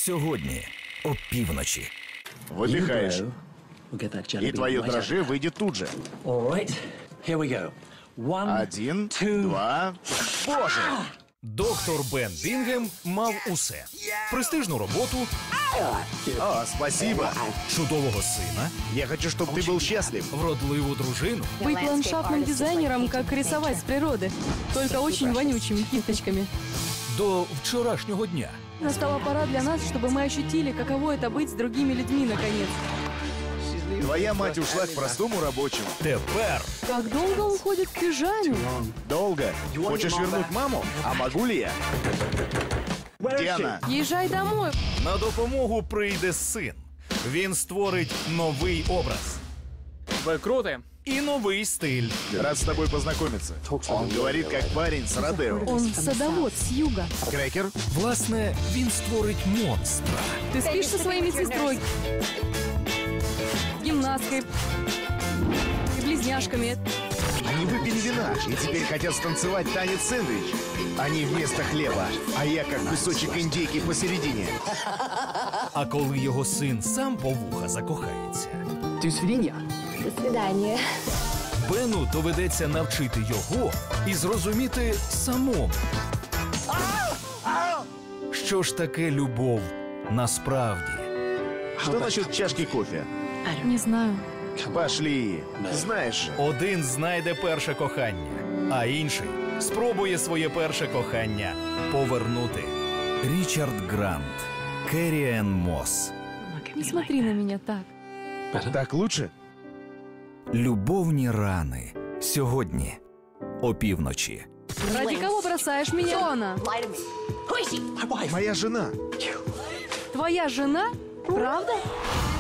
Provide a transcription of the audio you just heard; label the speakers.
Speaker 1: Сьогодні опівночі.
Speaker 2: Выдыхаешь. И твое дрожжи выйдет тут же. Один, два... Боже!
Speaker 1: Доктор Бен Бінгем мав усе. Престижну роботу,
Speaker 2: О, спасибо.
Speaker 1: чудового сина,
Speaker 2: Я хочу, чтобы ты был счастлив.
Speaker 1: вродливу дружину.
Speaker 3: Быть ландшафтным дизайнером, как рисовать с природы. Только очень вонючими кисточками.
Speaker 1: До вчорашнього дня.
Speaker 3: Настала пора для нас, чтобы мы ощутили, каково это быть с другими людьми, наконец.
Speaker 2: Твоя мать ушла к простому рабочему.
Speaker 1: Тепер
Speaker 3: Как долго он ходит в пижаме?
Speaker 2: Долго. Хочешь вернуть маму? А могу ли я? Где она?
Speaker 3: Езжай домой.
Speaker 1: на допомогу прийде син. Він створить новий образ.
Speaker 4: Ви круті.
Speaker 1: И новый стиль.
Speaker 2: Рад с тобой познакомиться. Он говорит, как парень с Родео.
Speaker 3: Он садовод с юга.
Speaker 2: Крекер?
Speaker 1: Власне, він створить монстра.
Speaker 3: Ты спишь со своей медсестрой, гимнасткой и близняшками.
Speaker 2: Они выпили вина и теперь хотят станцевать танец-сэндвич. Они вместо хлеба, а я как кусочек индейки посередине.
Speaker 1: А коли його син сам по вуха закохається,
Speaker 5: До свидания.
Speaker 6: До свидания.
Speaker 1: Бену доведеться навчити його і зрозуміти самому. Що ж таке любов насправді?
Speaker 2: Что насчет чашки кофе?
Speaker 3: Не знаю.
Speaker 2: Пошли. Знаешь же.
Speaker 1: Один знайде перше кохання, а інший спробує своє перше кохання повернути. Річард Грант, Керрі Енн Мосс.
Speaker 3: Не смотри на меня так.
Speaker 2: Так лучше?
Speaker 1: Любовні рани. Сьогодні опівночі.
Speaker 3: Ради кого бросаешь меня, она?
Speaker 2: Моя жена.
Speaker 3: Твоя жена? Правда?